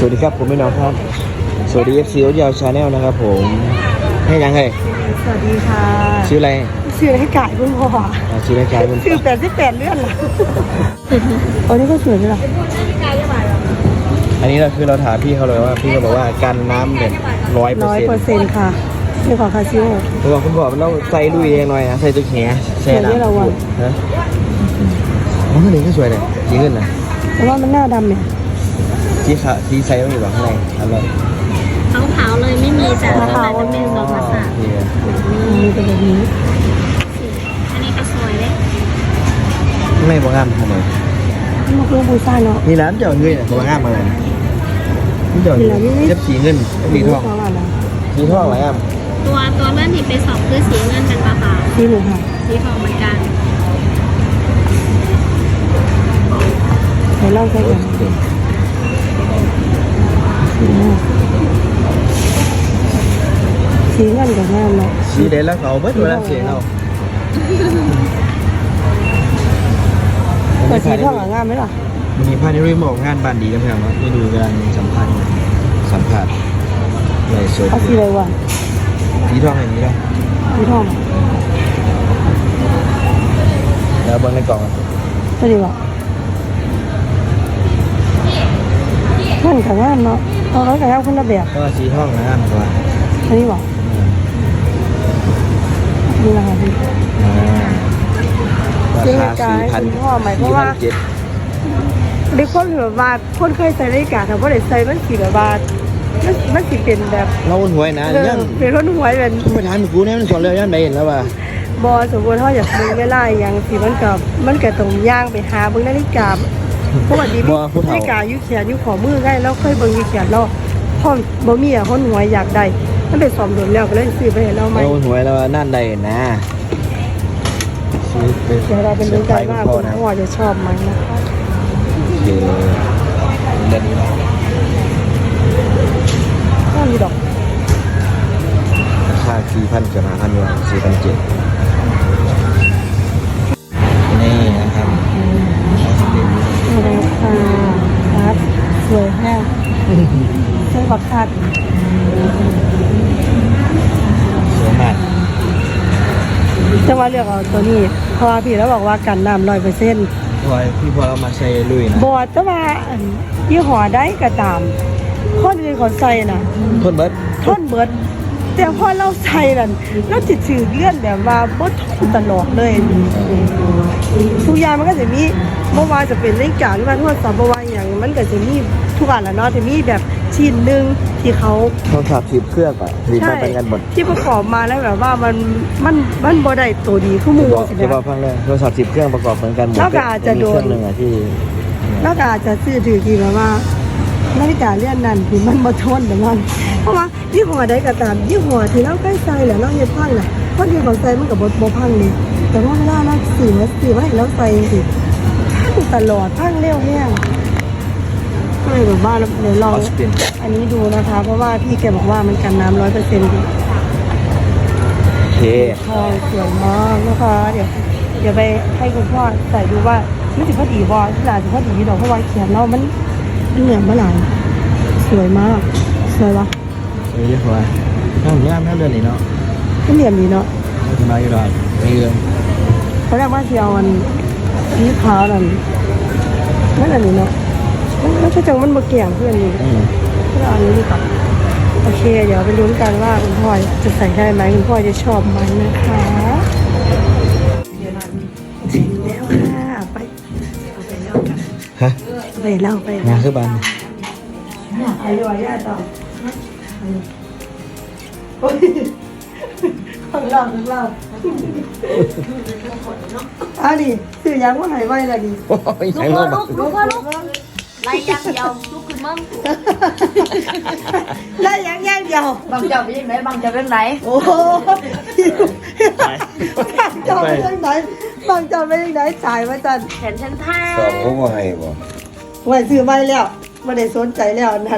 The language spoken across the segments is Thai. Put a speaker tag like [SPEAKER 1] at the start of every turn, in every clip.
[SPEAKER 1] วัสดีครับผมพี่น้องครับสวัสดี FC โอ๊ตยาวชาแนลนะครับผมให้ยังไง
[SPEAKER 2] สวัสดีค่ะ
[SPEAKER 1] ชื่ออะไร
[SPEAKER 2] ชื่อให้กายคุณพ่อ
[SPEAKER 1] ชื่ออะไรกายคุณ
[SPEAKER 2] ชื่อ88เลื่อนเหรออันนี้ก็สวยเลยหรอ
[SPEAKER 1] อันนี้เราคือเราถามพี่เขาเลยว่าพี่เขาบอกว่ากันน้ำแบบ100%
[SPEAKER 2] ค่ะนี่ของคาซิโอ
[SPEAKER 1] ผมบอกคุณบอกเราใส่ลุยเองหน่อยนะใส่ตัวแขนแช่น้ำฮะอ๋อนี่ก็สวยเลยสีเงินนะ
[SPEAKER 2] แต่ว่ามันหน้าดำเนี่ย
[SPEAKER 1] สีขาวสีใสต้องอยู่ข้างในอร่อย
[SPEAKER 3] ขาวเลยไม่มีแต่ข้างในจะเป็นซองภาษา
[SPEAKER 2] มีเป็นแบบนี้
[SPEAKER 3] อันนี้ก็สวยเลย
[SPEAKER 1] ไม่บางงามทำไม
[SPEAKER 2] มันคือบูซ่าเนาะ
[SPEAKER 1] มีร้านเจ้าเงินบางงามอะไรนี่เจ้าเจ็บสีเงินสีทองสีทองอะไรอ่ะ
[SPEAKER 3] ตัวเลื่อนที่ไปสอบคือสีเงินเป็นปลาขาว
[SPEAKER 2] สีหนึ่งค่ะ
[SPEAKER 3] สีทองเหมือนกัน
[SPEAKER 2] เดี๋ยวเล่าใช้กันสีเงินกับงามเนาะ
[SPEAKER 1] สีเด่นแล้วเขาเบิดเวลาเสียเรา
[SPEAKER 2] แต่สีทองงามไหมล่ะ
[SPEAKER 1] มีพาณิชย์บอกงานบ้านดีกันเพื่อนว่าไม่ดูกำลังสัมผัสในโซน
[SPEAKER 2] เอาสีอะไรวะ
[SPEAKER 1] สีทองอย่างนี้แล้ว
[SPEAKER 2] สีทอง
[SPEAKER 1] แล้วเบิ้งในกล่อง
[SPEAKER 2] สวัสดีวะนั่นกับงามเนาะเอาแล้วกับงามคนละแบบ
[SPEAKER 1] ก็สีทองนะครับตัว
[SPEAKER 2] อันนี้วะนี่แหละค่ะพี่
[SPEAKER 1] ราคา4,000
[SPEAKER 2] พ่อหมายเพราะว่าเด็กคนแบบว่าคนเคยใส่นาฬิกาแต่ว่าเด็กใส่มันสีแบบว่ามันสีเป็นแบบ
[SPEAKER 1] เราหวยนะ
[SPEAKER 2] ยังเป็นคนหวยเป็น
[SPEAKER 1] ไม่ทานกูเนี่ยมันสอนเลยยันไปเห็นแล้วว่า
[SPEAKER 2] บอสมบูรณ์เขาอยากเบิ่งเวลาอย่างสีมันกับตรงย่างไปหาเบิ่งนาฬิกาปกตินาฬิกายุแขนยุขอมือง่ายแล้วเคยเบิ่งยุแขนแล้วพ่อบ่มีคนหวยอยากได้มันเป็นสอมโดนแล้วก็เลยซื้อไปให้เราใหม่
[SPEAKER 1] เราหวยแล้วนั่นใดนะ
[SPEAKER 2] เดี๋ยวเราเป็นรู้ใจว่าคุณพ่อจะชอบไหมนะคะ
[SPEAKER 1] เด่น
[SPEAKER 2] ก็มีดอก
[SPEAKER 1] ราคา4,000กับ5,000อยู่4,700นี่นะครับ
[SPEAKER 2] นี่ค่ะครับสวยแห้งสวยบักคัด
[SPEAKER 1] สวยมาก
[SPEAKER 2] จะว่าเลือกเอาตัวนี้เพราะว่าพี่แล้วบอกว่ากันน้ำ100%
[SPEAKER 1] พี่พอเรามาใส่ลุยนะ
[SPEAKER 2] บอดแต่ว่ายี่ห้อได้ก็ตามคนอื่นเขาใส่น่ะ
[SPEAKER 1] ทนเบิด
[SPEAKER 2] แต่พอเราใส่นั่นเราจิตสื่อเลื่อนแบบว่าบ่ทนตลอดเลยทุกอย่างมันก็จะมีเมื่อวานจะเป็นนาฬิกาหรือว่าโทรศัพท์บ่ว่าอย่างมันก็จะมีทุกอันละเนาะจะมีแบบชิ้นนึงที่เขา
[SPEAKER 1] โทรศัพท์10เครื่องอ่ะรีบมาเป็นกันหมด
[SPEAKER 2] ที่ประกอบมาแล้วแบบว่ามันบ่ได้ตัวดีคือหมู่
[SPEAKER 1] สิจะบอกฟังเลยโทรศัพท์10เครื่องประกอบเหมือนกันหมด
[SPEAKER 2] แล้วก็อาจจะโดน
[SPEAKER 1] นึงอ่ะที่
[SPEAKER 2] แล้วก็อาจจะซื้อถือที่แบบว่านาฬิกาเลื่อนนั่นที่มันบ่ทนแบบนั้นเพราะว่ายี่ห้อใดก็ตามยี่ห้อที่เราใกล้ใส่แหละเราเฮ็ดพังน่ะเพราะที่ของใส่มันก็บ่พังนี่แต่ว่าเวลาเราซื้อไว้แล้วใส่สิพังตลอดพังเร็วแฮงก็เลยแบบว่าเดี๋ยวลองอันนี้ดูนะคะเพราะว่าพี่แกบอกว่ามันกันน้ำ100%ดี
[SPEAKER 1] โอเค
[SPEAKER 2] ทองสวยมากนะคะเดี๋ยวไปให้คุณพ่อใส่ดูว่ามันสิพอดีบ่ที่หลานสิพอดีดอกเพราะว่าเขียนเรามันเหนื่อยมาหลายสวยมากสวยวะ
[SPEAKER 1] สวยเยอะกว่าถ้าผมย่างแม่เดือนนี้เนาะ
[SPEAKER 2] ก็เหลี่ยมดีเนาะ
[SPEAKER 1] จะมาอยู่หรอไม่เยอะ
[SPEAKER 2] ตอนแรกว่าเชียวมันสีขาวนั่นอันนี้เนาะมันก็จังมันมาเกี่ยงเพื่อนอยู่ก็เอาอันนี้ดีกว่าโอเคเดี๋ยวไปลุ้นกันว่าคุณพ่อจะใส่ได้ไหมคุณพ่อจะชอบไหมนะคะแล้วค่ะไปเล่ากัน
[SPEAKER 1] ฮะ
[SPEAKER 2] ไปเล่า
[SPEAKER 1] งานคือบ้าน
[SPEAKER 2] อายุอายุต่อของเราอ่ะดิสื่อยังว่าหายไวละดิ
[SPEAKER 3] ลูกไล่ยังเดียวลูกคือมั่ง
[SPEAKER 2] ไล่ยังเดียว
[SPEAKER 3] บางเจ้าเป็นยังไงบางเจ้าเป็นไหน
[SPEAKER 2] โอ้บางเจ้าเป็นยังไงบางเจ้าเป็นยังไงจ่ายมาจัน
[SPEAKER 3] แขนฉันท่า
[SPEAKER 1] สอบเขาว่าให้บ่
[SPEAKER 2] ไว้ซื้อไว้แล้วไม่ได้สนใจแล้วนั่น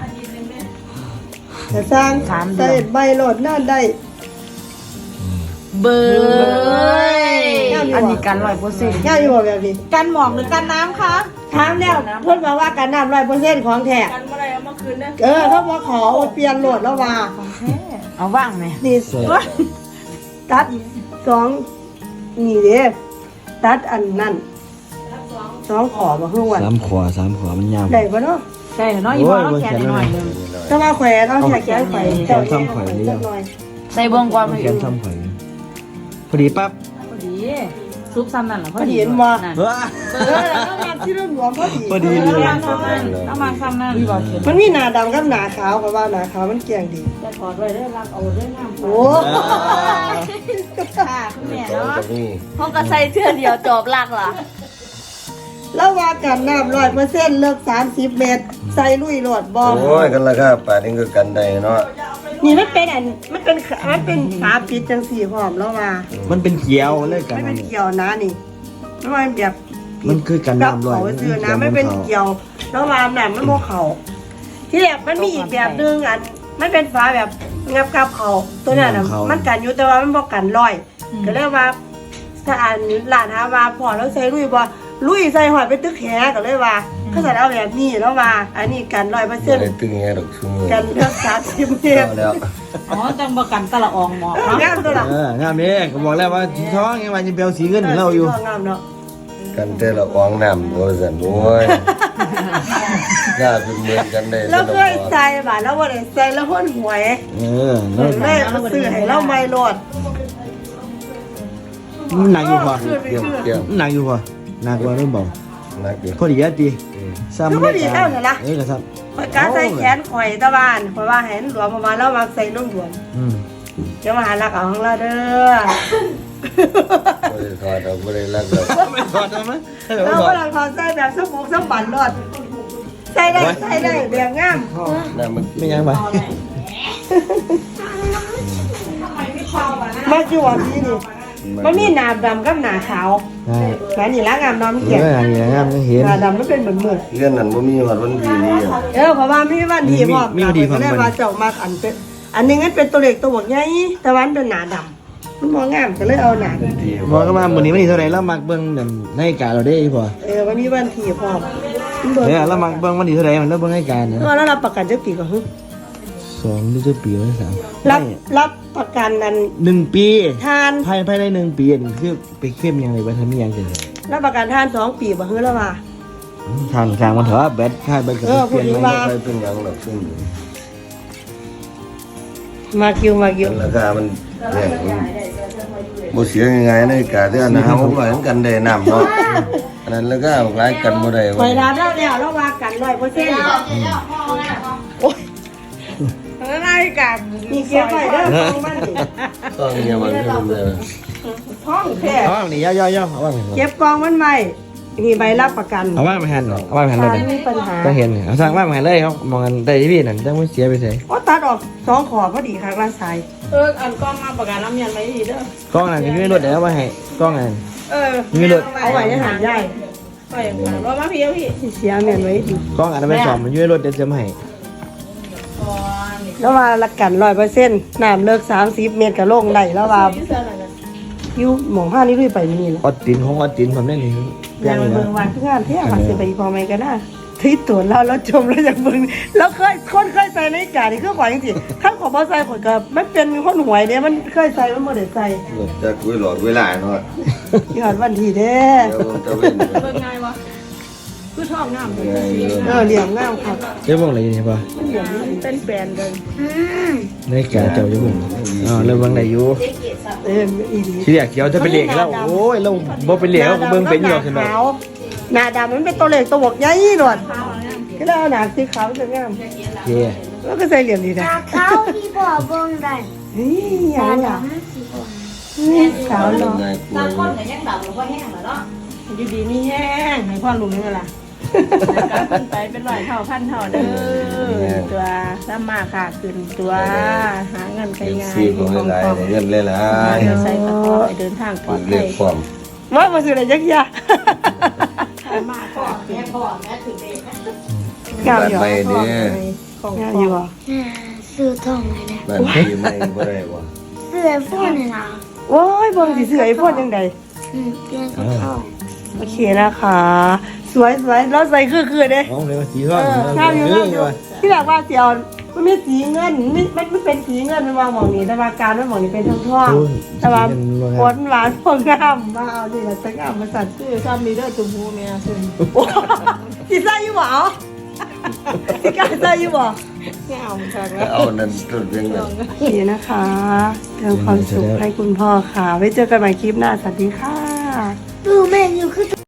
[SPEAKER 2] แต่สร้างใส่ใบโหลดนั่นได้
[SPEAKER 3] เบยอันนี้กัน100%
[SPEAKER 2] ง่ายอยู่แบบนี้
[SPEAKER 3] กันหมอกหรือกันน้ำคะ
[SPEAKER 2] ถามแล้วเพิ่นบอกว่ากันน้ำ100%ของแท้
[SPEAKER 3] กันเมื่อไรเอามาคืนนะ
[SPEAKER 2] เขาบอกขอเปลี่ยนโหลดแล้วว่า
[SPEAKER 3] เอาว่างไหม
[SPEAKER 2] นี่ตัด2นี่เด้ตัดอันนั้น2ขอบ่ฮู้ว่า
[SPEAKER 1] สามขวมันยาว
[SPEAKER 2] ได้บ่เนาะ
[SPEAKER 3] ใช่เนาะอีพอต้องแขนหน่อยนึง
[SPEAKER 2] ถ้าว่าแขวนเอาแขนไปจักหน่อย
[SPEAKER 3] ใส่เบื้องก่อน
[SPEAKER 1] แขนซ้ำข่อยพอดีปั๊บ
[SPEAKER 3] พอดีซุปซ้ำนั่นหรอ
[SPEAKER 2] พอดีเห็นบ่
[SPEAKER 1] ว้า
[SPEAKER 2] แล้วมาที่รุ่นหลวงพอดี
[SPEAKER 1] พอดีเลย
[SPEAKER 3] เอามาซ้ำนั่น
[SPEAKER 2] มันมีหน้าดำกับหน้าขาวเพราะว่าหน้าขาวมันเกลี่ยงดี
[SPEAKER 3] จะถอดไว้ได้รักเอาได้งาม
[SPEAKER 2] โอ้
[SPEAKER 3] ค่ะคุณแม่เนาะห้องก็ใส่เสื้อเดียวจบลักล่ะ
[SPEAKER 2] แล้วว่ากันน้ำ100%เลิก30 เมตร ใส่ลุยโหลดบ่
[SPEAKER 4] โอ้ยกันละครับป่านนี้ก็กันได้เนาะ
[SPEAKER 2] นี่มันเป็นมันเป็นฝาปิดจังสี่พร้อมแล้วว่า
[SPEAKER 1] มันเป็นเขียวเลยกัน
[SPEAKER 2] ไม่เป็นเกี่ยวนะนี่ไม่ว่าแบบ
[SPEAKER 1] มันคือกันน้ำร้อย
[SPEAKER 2] เขาซื้อนะไม่เป็นเกี่ยวแล้ววามน่ะมันโมเขาที่แบบมันมีอีกแบบนึงอันมันเป็นฝาแบบงับกับเขาตัวนั้นน่ะมันกันอยู่แต่ว่ามันบ่กันร้อยก็เรียกว่าถ้าอันหลานหาว่าพอแล้วใส่ลุยบ่ลุยใส่หอยไปตึกแหก็เลยว่าเขาใส่เอาแบบนี้แล้วว่าอันนี้กัน
[SPEAKER 4] บ่
[SPEAKER 2] 100%
[SPEAKER 4] ได้ตึงแงดอกซุมื้อ
[SPEAKER 2] กันเลือก30 เมตร
[SPEAKER 4] เอาแล้ว
[SPEAKER 3] อ๋อจังประกันตะละอองหมอก
[SPEAKER 2] งามตัวละ
[SPEAKER 1] งามนี่ก็บอกแล้วว่าท้องยังมันจะเปลวสีเงินเราอยู่
[SPEAKER 2] งามเนาะ
[SPEAKER 4] กันแต่ละอองน้ำบ่ซั่นโอ้ยกล้าเป็นเหมือนกันได้
[SPEAKER 2] แล้วเคยใส่บ่าแล้วบ่ได้ใส่แล้วพ่นหวย เลยมาซื้อให้เราไม่โหลด
[SPEAKER 1] มันหนักอยู่พอ
[SPEAKER 4] เกี่ยวเกี่ยว
[SPEAKER 1] มันหนักอยู่พอหนักกว่าเรื่องเบา
[SPEAKER 4] นักอยู่
[SPEAKER 1] พอดีอ่ะตีซ้ำ
[SPEAKER 2] ก็พอดีเท่านั้นละ
[SPEAKER 1] ก็ซ้
[SPEAKER 2] ข่อยกาใส่แขนข่อยตะบานข่อยว่าเห็นหลวมประมาณแล้วมาใส่นุ่มหลวม
[SPEAKER 1] ำ
[SPEAKER 2] เดี๋ยวมาหารักเอาของเราเด้อ
[SPEAKER 4] บ่ได้ถอดดอกบ่ได้รักดอก
[SPEAKER 1] ไม่พอได้ไหม
[SPEAKER 2] เราก็ลังพอใส่แบบสมุกสมบันรอดใส่ได้แบบงาม
[SPEAKER 4] น้ำมัน
[SPEAKER 1] ไม่ยังไป
[SPEAKER 2] มาจวบนี่นี่มันมีหนาดำกับหนาขาว
[SPEAKER 1] ใช่
[SPEAKER 2] แขนนี่ละงามน้ำ
[SPEAKER 1] เอ
[SPEAKER 2] เขียน
[SPEAKER 1] ออย่างนี้งามไม่เห็น
[SPEAKER 2] หนาดำมันเป็นเหมือนมือ
[SPEAKER 4] เรื่องนั้นบ่มีฮอดวันที่นี้อ่ะ
[SPEAKER 2] เพราะว่ามีวันที่พร้อมก็เลยว่าเจ้ามาอันเป็นอันนึงมันเป็นตัวเล็กตัวบกใหญ่แต่วันเป็นหนาดำมันมองงามก็เลยเอาหนา
[SPEAKER 4] ที่
[SPEAKER 1] บอกก็มาวันนี้มันนี่เท่าไรแล้วมักเบิ้งในการเราได้พอ
[SPEAKER 2] วันนี้วันที่พร้อม
[SPEAKER 1] แล้วมักเบิ้งวันนี้เท่าไรมันแล้วเบิ้งให้การนะ
[SPEAKER 2] ก็แล้วรับประกันจะปีก็คือ
[SPEAKER 1] 2 หรือจะปีหรือ3
[SPEAKER 2] รับประกันนั้น
[SPEAKER 1] 1 ปี
[SPEAKER 2] ทาน
[SPEAKER 1] ภายใน1 ปีนี่คือไปเข้มยังไงบ้างทำยังไง
[SPEAKER 2] รับประกันทาน2 ปีบ่คือแล้วว่า
[SPEAKER 1] ทางมันเถอะแบตค่ายแบตกับเปลี่ยน
[SPEAKER 2] ว่า
[SPEAKER 4] ไปเป็นหยังดอกซึ่ง
[SPEAKER 2] มาคิว
[SPEAKER 4] ราคามันแพงบ่เสียง่ายๆในกาที่อันนะผมว่ากันได้น้ำเนาะอันนั้นแล้วก็หลายกันบ่ได้
[SPEAKER 2] คอยรับแล้วว่ากัน100%โอ้ยอะไรกันนี่เก็บไว้เด้อของมันนี่
[SPEAKER 4] ต้องเนี่ยมันคือมันเลย
[SPEAKER 2] ท้องแท้
[SPEAKER 1] เอาว่างนี่ย่อเอาว่าง
[SPEAKER 2] เก็บกองมันไว้นี่ใบรับประกัน
[SPEAKER 1] เอาว่างมาแทนเอาว่างมาแทนเลย
[SPEAKER 2] ถ้ามีปัญหา
[SPEAKER 1] ต้องเห็นเอาสร้างว่างมาแทนเลยเขามองกันได้ที่พี่นั่นจะไม่เสียไปใส่
[SPEAKER 2] โอ้ตัดออก2ขอพอดีครับละสาย
[SPEAKER 3] อันกล้องมาประกันน้ำยันไว้ดีเด้อก
[SPEAKER 1] ล้องนั่นก็ยืนรถเดี๋ยวมาให้กล้องนั่น
[SPEAKER 3] มีรถ
[SPEAKER 2] เอาไว้ในหันใหญ่
[SPEAKER 3] ไปรถมาพี่พี่
[SPEAKER 2] เสียแม่นไว้ดี
[SPEAKER 1] กล้องอันนั้นไปสอบมันยืนรถเดี๋ยวจะมาให้
[SPEAKER 2] แล้วว่าละกัน100%น้ำเลิก30 เมตรก็ลงได้แล้วว่าอยู่หม่องผ้านี่ลุยไปนี่แหละ
[SPEAKER 1] อดตินของอดตินผมได้นี่
[SPEAKER 2] อยากไปเบิ่งวันทุกงานเที่ยวมาสิไปพอไหมกันนะที่ตัวเราชมแล้วอยากเบิ่งแล้วคนเคยใส่ในกานี่คือข่อยจริงๆถ้าขอบ่ใส่ข่อยก็มันเป็นคนหวยเด้มันเคยใส่มันบ่ได้ใส่
[SPEAKER 4] จะคุยหลอดเวลาเนาะ
[SPEAKER 2] ยอดวันที่เด้
[SPEAKER 4] เดี๋ยวจะเป็น
[SPEAKER 3] เบิ่งง่ายวะคือชอบงาม
[SPEAKER 4] ไง
[SPEAKER 2] เหลี่ยมงามครับ
[SPEAKER 1] เจ้าบ่งอะไรนี่ป่ะ
[SPEAKER 2] เหลี่ยมเป็นแปลนเลย
[SPEAKER 1] ในกาเจ้าเจ้าบ่งอ๋อเริ่มเบิ่งได้อยู่
[SPEAKER 2] อีดี
[SPEAKER 1] ที่แรกเขียวจะเป็นเหล็กแล้วโอ้ยเราบ่เป็นเหล็กเราเบิ่งเป็นอยู่ขึ้นมา
[SPEAKER 2] หน้าดำมันเป็นตัวเล็กตัวบกใหญ่หนวดก็แล้วหน้าสีขาวจะงาม
[SPEAKER 1] โอเค
[SPEAKER 2] แล้วก็ใส่เหลี่ยมดีนะ
[SPEAKER 5] เขาที่บอกเบิ่งได้
[SPEAKER 2] นี่อย่างนี้
[SPEAKER 5] สิบ่
[SPEAKER 2] ขาวเนาะ
[SPEAKER 4] ง่ายก
[SPEAKER 3] ตา
[SPEAKER 4] ว่า
[SPEAKER 3] คนแต่ยังดำหรือว่าแห้งเหรอเนาะ
[SPEAKER 2] อยู่ดีนี่แห้งให้ความรู้นี่ล่ะ
[SPEAKER 3] ขึ้นไปเป็นร้อยเท่าพันเท่าเด้อตัวสามารถค่ะขึ้นตัวหาเงินไป
[SPEAKER 4] เอฟ
[SPEAKER 3] ง่าย
[SPEAKER 4] ซีบ่หลายเงินหลาย
[SPEAKER 3] ใส่กระเป๋าเดินทางปลอด
[SPEAKER 4] เรี
[SPEAKER 3] ภั
[SPEAKER 4] ย
[SPEAKER 3] ย
[SPEAKER 4] กความ
[SPEAKER 2] ว่ามาซื้ออะไรยักษ์ยา
[SPEAKER 3] มากก่อนแม่ก่อนแม่ถึงเด็ก
[SPEAKER 2] งามอยู่
[SPEAKER 4] ไปเด้อง
[SPEAKER 2] ามอยู่
[SPEAKER 5] ซื้อทองเลยนะ
[SPEAKER 4] บ้านพี่ไม่บ่ได้บ่
[SPEAKER 5] ซื้อไอโฟนเลยนะ
[SPEAKER 2] โโอ้ยเบิ่งสิเสือไอ้พ่นยังไง
[SPEAKER 5] เปลี่ยนกับเขา
[SPEAKER 2] โอเคนะคะ สวยแล้วใส่คือเด้
[SPEAKER 1] อ๋อเลยว่าสีทอง
[SPEAKER 2] ข้าวอยู่ที่แบบว่าเสียวมันมีสีเงินมันเป็นสีเงินมันวางหมองนี้แต่ว่าการมันหมองนี้เป็นทองแต่ว่าผลหวานพวกงามมาเอาดิเราจะงามมาสั่น
[SPEAKER 3] คือชอบมีเด้อจุ่มหูเมียคือ
[SPEAKER 2] สีใส่อยู่บ่สีกาใส่อยู่บ่
[SPEAKER 3] ไม่เอาเหมือนกันแล้ว
[SPEAKER 4] เอานั่นต้นเพียงนั้น
[SPEAKER 2] โอเคนะคะเติมความสุขให้คุณพ่อค่ะไว้เจอกันใหม่คลิปหน้าสวัสดีค่ะ
[SPEAKER 5] ดูแม่อยู่คือ